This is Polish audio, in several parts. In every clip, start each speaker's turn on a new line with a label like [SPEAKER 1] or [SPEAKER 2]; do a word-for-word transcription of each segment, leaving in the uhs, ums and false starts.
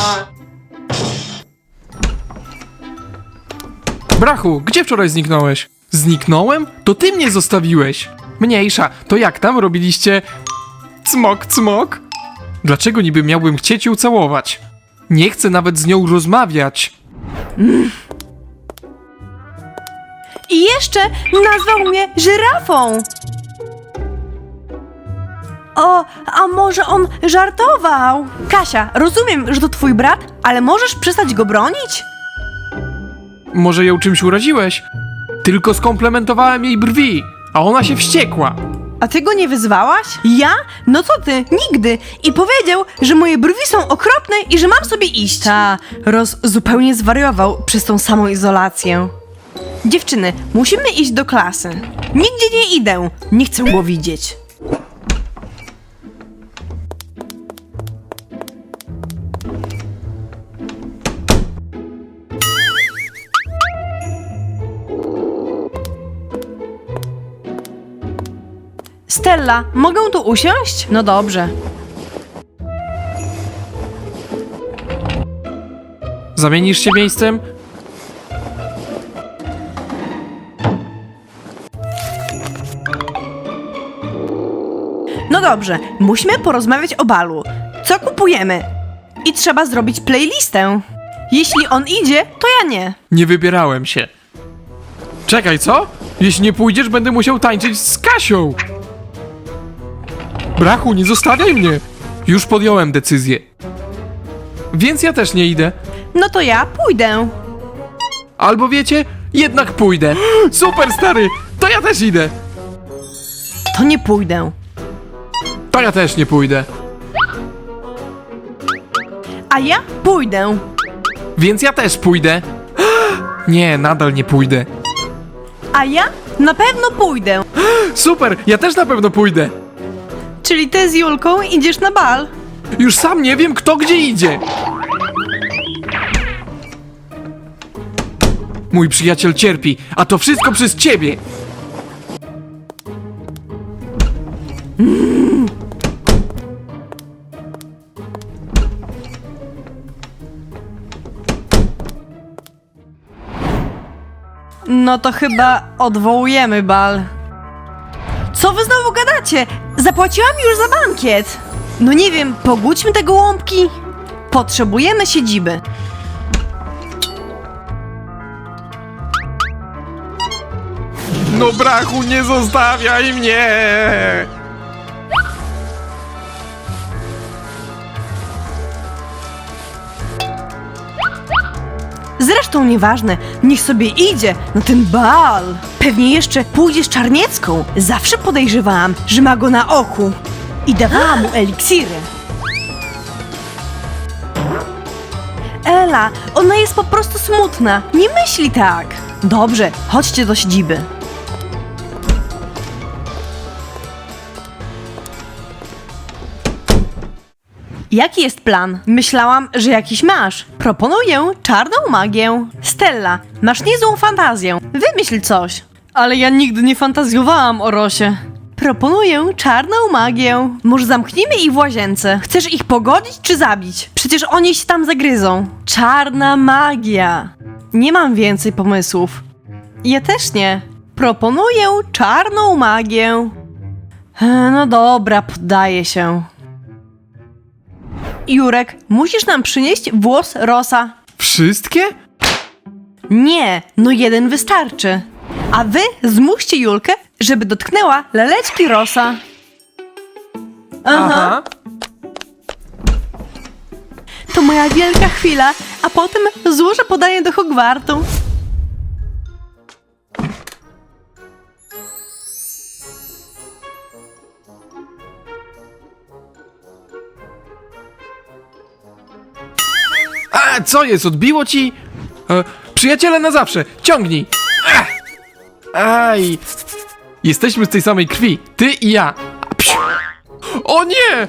[SPEAKER 1] Brachu, gdzie wczoraj zniknąłeś? Zniknąłem? To ty mnie zostawiłeś. Mniejsza, to jak tam robiliście... Cmok, cmok? Dlaczego niby miałbym chcieć ją całować? Nie chcę nawet z nią rozmawiać.
[SPEAKER 2] Mm. I jeszcze nazwał mnie żyrafą. O, a może on żartował? Kasia, rozumiem, że to twój brat, ale możesz przestać go bronić?
[SPEAKER 1] Może ją czymś uraziłeś? Tylko skomplementowałem jej brwi, a ona się wściekła.
[SPEAKER 2] A ty go nie wyzwałaś? Ja? No co ty? Nigdy. I powiedział, że moje brwi są okropne i że mam sobie iść. Ta, Roz zupełnie zwariował przez tą samą izolację. Dziewczyny, musimy iść do klasy. Nigdzie nie idę. Nie chcę go widzieć. Stella, mogę tu usiąść? No dobrze.
[SPEAKER 1] Zamienisz się miejscem?
[SPEAKER 2] No dobrze, musimy porozmawiać o balu. Co kupujemy? I trzeba zrobić playlistę. Jeśli on idzie, to ja nie.
[SPEAKER 1] Nie wybierałem się. Czekaj, co? Jeśli nie pójdziesz, będę musiał tańczyć z Kasią. Brachu, nie zostawiaj mnie. Już podjąłem decyzję. Więc ja też nie idę.
[SPEAKER 2] No to ja pójdę.
[SPEAKER 1] Albo wiecie, jednak pójdę. Super, stary, to ja też idę.
[SPEAKER 2] To nie pójdę.
[SPEAKER 1] To ja też nie pójdę.
[SPEAKER 2] A ja pójdę.
[SPEAKER 1] Więc ja też pójdę. Nie, nadal nie pójdę.
[SPEAKER 2] A ja na pewno pójdę.
[SPEAKER 1] Super, ja też na pewno pójdę.
[SPEAKER 2] Czyli ty z Julką idziesz na bal?
[SPEAKER 1] Już sam nie wiem, kto gdzie idzie. Mój przyjaciel cierpi, a to wszystko przez ciebie.
[SPEAKER 2] No to chyba odwołujemy bal. Co wy znowu gadacie? Zapłaciłam już za bankiet. No nie wiem, pogódźmy te gołąbki. Potrzebujemy siedziby.
[SPEAKER 1] No Brachu, nie zostawiaj mnie!
[SPEAKER 2] Zresztą nieważne, niech sobie idzie na ten bal. Pewnie jeszcze pójdzie z Czarniecką. Zawsze podejrzewałam, że ma go na oku. I dawałam mu eliksiry. Ela, ona jest po prostu smutna. Nie myśli tak. Dobrze, chodźcie do siedziby. Jaki jest plan? Myślałam, że jakiś masz. Proponuję czarną magię. Stella, masz niezłą fantazję. Wymyśl coś. Ale ja nigdy nie fantazjowałam o Rosie. Proponuję czarną magię. Może zamknijmy ich w łazience. Chcesz ich pogodzić czy zabić? Przecież oni się tam zagryzą. Czarna magia. Nie mam więcej pomysłów. Ja też nie. Proponuję czarną magię. E, No dobra, poddaję się. Jurek, musisz nam przynieść włos Rosa.
[SPEAKER 1] Wszystkie?
[SPEAKER 2] Nie, no jeden wystarczy. A wy zmuście Julkę, żeby dotknęła laleczki Rosa. Aha. To moja wielka chwila, a potem złożę podanie do Hogwartu.
[SPEAKER 1] A, co jest, odbiło ci? E, przyjaciele na zawsze, ciągnij! Ech. Aj! Jesteśmy z tej samej krwi, ty i ja. Psiu. O nie!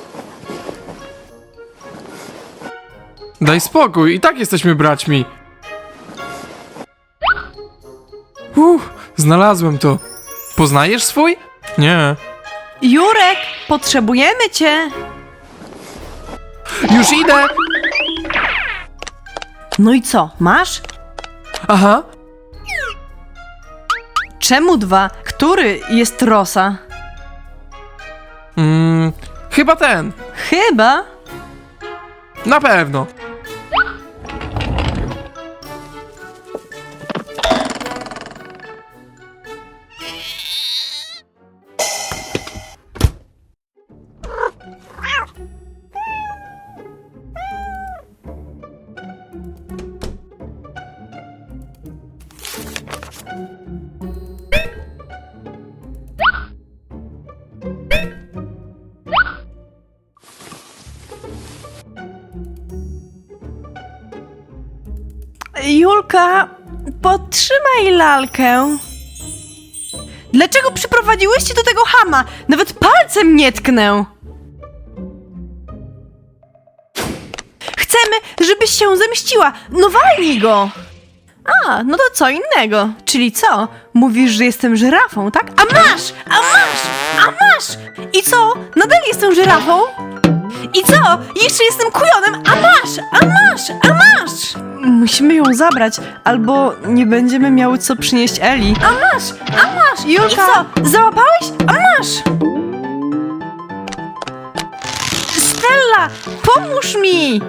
[SPEAKER 1] Daj spokój, i tak jesteśmy braćmi. Uff, znalazłem to. Poznajesz swój? Nie.
[SPEAKER 2] Jurek, potrzebujemy cię.
[SPEAKER 1] Już idę!
[SPEAKER 2] No i co, masz?
[SPEAKER 1] Aha.
[SPEAKER 2] Czemu dwa? Który jest Rosa?
[SPEAKER 1] Mm, chyba ten.
[SPEAKER 2] Chyba.
[SPEAKER 1] Na pewno.
[SPEAKER 2] Julka, podtrzymaj lalkę. Dlaczego przyprowadziłyście do tego chama? Nawet palcem nie tknę. Chcemy, żebyś się zemściła. No walnij go. A, no to co innego. Czyli co? Mówisz, że jestem żyrafą, tak? A masz! A masz! A masz! I co? Nadal jestem żyrafą? I co? Jeszcze jestem kujonem! A masz! A masz! A masz! Musimy ją zabrać, albo nie będziemy miały co przynieść Eli. A masz! A masz! Julka! I co? Załapałeś? A masz! Stella! Pomóż mi!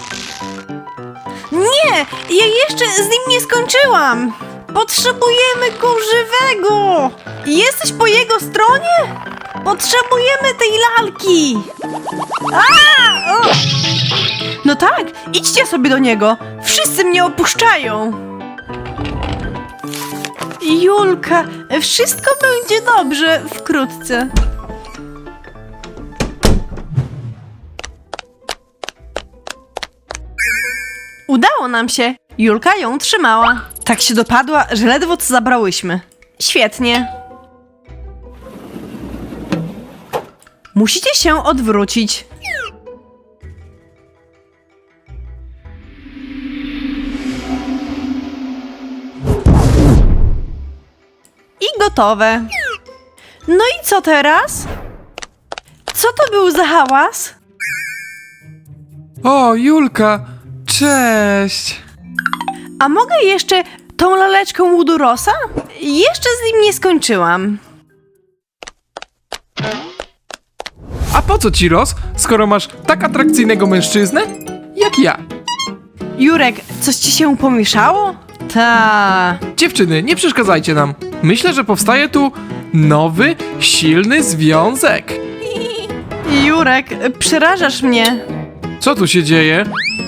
[SPEAKER 2] Nie! Ja jeszcze z nim nie skończyłam! Potrzebujemy go żywego! Jesteś po jego stronie? Potrzebujemy tej lalki! A! O! No tak, idźcie sobie do niego. Wszyscy mnie opuszczają. Julka, wszystko będzie dobrze wkrótce. Udało nam się. Julka ją trzymała. Tak się dopadła, że ledwo co zabrałyśmy. Świetnie. Musicie się odwrócić. I gotowe. No i co teraz? Co to był za hałas?
[SPEAKER 1] O, Julka, cześć.
[SPEAKER 2] A mogę jeszcze tą laleczką łudu Rosa? Jeszcze z nim nie skończyłam.
[SPEAKER 1] A po co ci Ros, skoro masz tak atrakcyjnego mężczyznę jak ja?
[SPEAKER 2] Jurek, coś ci się pomieszało? Ta.
[SPEAKER 1] Dziewczyny, nie przeszkadzajcie nam. Myślę, że powstaje tu nowy, silny związek.
[SPEAKER 2] Jurek, przerażasz mnie.
[SPEAKER 1] Co tu się dzieje?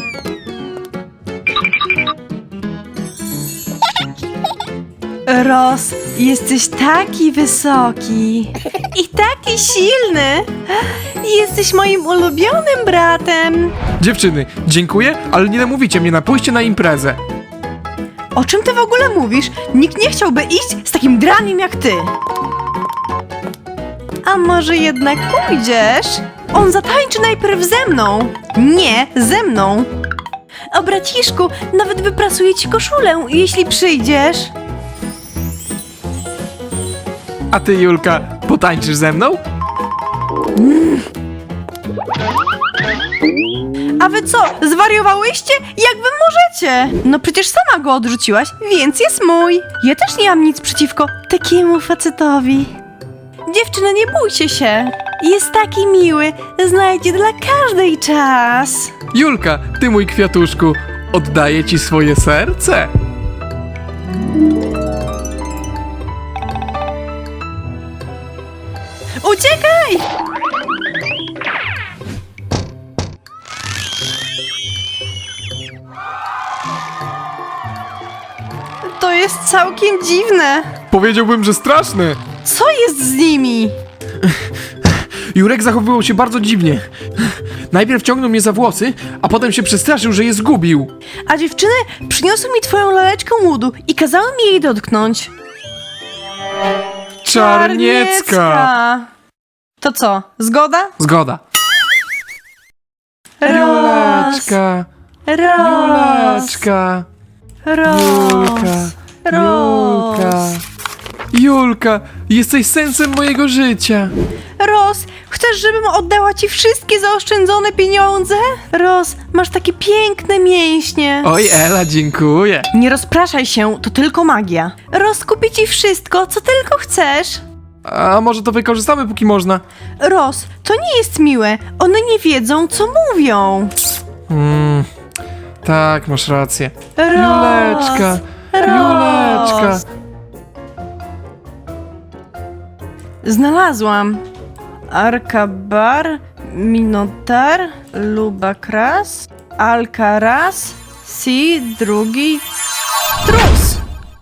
[SPEAKER 2] Ros, jesteś taki wysoki i taki silny. Jesteś moim ulubionym bratem.
[SPEAKER 1] Dziewczyny, dziękuję, ale nie namówicie mnie na pójście na imprezę.
[SPEAKER 2] O czym ty w ogóle mówisz? Nikt nie chciałby iść z takim draniem jak ty. A może jednak pójdziesz? On zatańczy najpierw ze mną. Nie, ze mną. O braciszku, nawet wyprasuję ci koszulę, jeśli przyjdziesz.
[SPEAKER 1] A ty, Julka, potańczysz ze mną?
[SPEAKER 2] A wy co, zwariowałyście? Jak wy możecie? No przecież sama go odrzuciłaś, więc jest mój. Ja też nie mam nic przeciwko takiemu facetowi. Dziewczyny, nie bójcie się. Jest taki miły, znajdzie dla każdej czas.
[SPEAKER 1] Julka, ty mój kwiatuszku, oddaję ci swoje serce.
[SPEAKER 2] Uciekaj! To jest całkiem dziwne.
[SPEAKER 1] Powiedziałbym, że straszne.
[SPEAKER 2] Co jest z nimi?
[SPEAKER 1] Jurek zachowywał się bardzo dziwnie. Najpierw ciągnął mnie za włosy, a potem się przestraszył, że je zgubił.
[SPEAKER 2] A dziewczyny przyniosły mi twoją laleczkę łudu i kazały mi jej dotknąć.
[SPEAKER 1] Czarniecka!
[SPEAKER 2] To co, zgoda?
[SPEAKER 1] Zgoda.
[SPEAKER 2] Ros,
[SPEAKER 1] Juleczka,
[SPEAKER 2] Ros,
[SPEAKER 1] Juleczka,
[SPEAKER 2] Ros,
[SPEAKER 1] Julka, Julka.
[SPEAKER 2] Ros,
[SPEAKER 1] Julka, jesteś sensem mojego życia.
[SPEAKER 2] Ros, chcesz, żebym oddała ci wszystkie zaoszczędzone pieniądze? Ros, masz takie piękne mięśnie.
[SPEAKER 1] Oj, Ela, dziękuję.
[SPEAKER 2] Nie rozpraszaj się, to tylko magia. Ros, kupi ci wszystko, co tylko chcesz.
[SPEAKER 1] A może to wykorzystamy, póki można?
[SPEAKER 2] Ros, to nie jest miłe. One nie wiedzą, co mówią.
[SPEAKER 1] Mm, tak, masz rację.
[SPEAKER 2] Ros,
[SPEAKER 1] Juleczka, Juleczka.
[SPEAKER 2] Ros. Znalazłam. Arkabar, Minotar, Lubakras, Alcaraz, Si, drugi, Trus.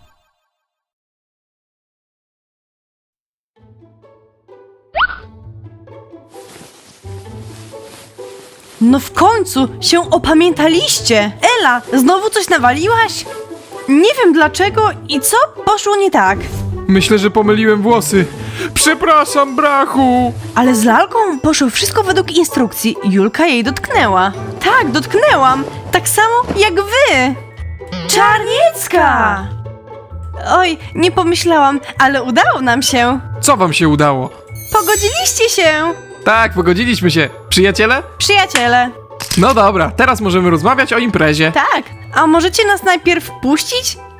[SPEAKER 2] No w końcu się opamiętaliście. Ela, znowu coś nawaliłaś? Nie wiem dlaczego i co poszło nie tak.
[SPEAKER 1] Myślę, że pomyliłem włosy. Przepraszam, brachu.
[SPEAKER 2] Ale z lalką poszło wszystko według instrukcji. Julka jej dotknęła. Tak, dotknęłam. Tak samo jak wy. Czarniecka! Oj, nie pomyślałam, ale udało nam się.
[SPEAKER 1] Co wam się udało?
[SPEAKER 2] Pogodziliście się.
[SPEAKER 1] Tak, pogodziliśmy się. Przyjaciele?
[SPEAKER 2] Przyjaciele.
[SPEAKER 1] No dobra, teraz możemy rozmawiać o imprezie.
[SPEAKER 2] Tak, a możecie nas najpierw puścić?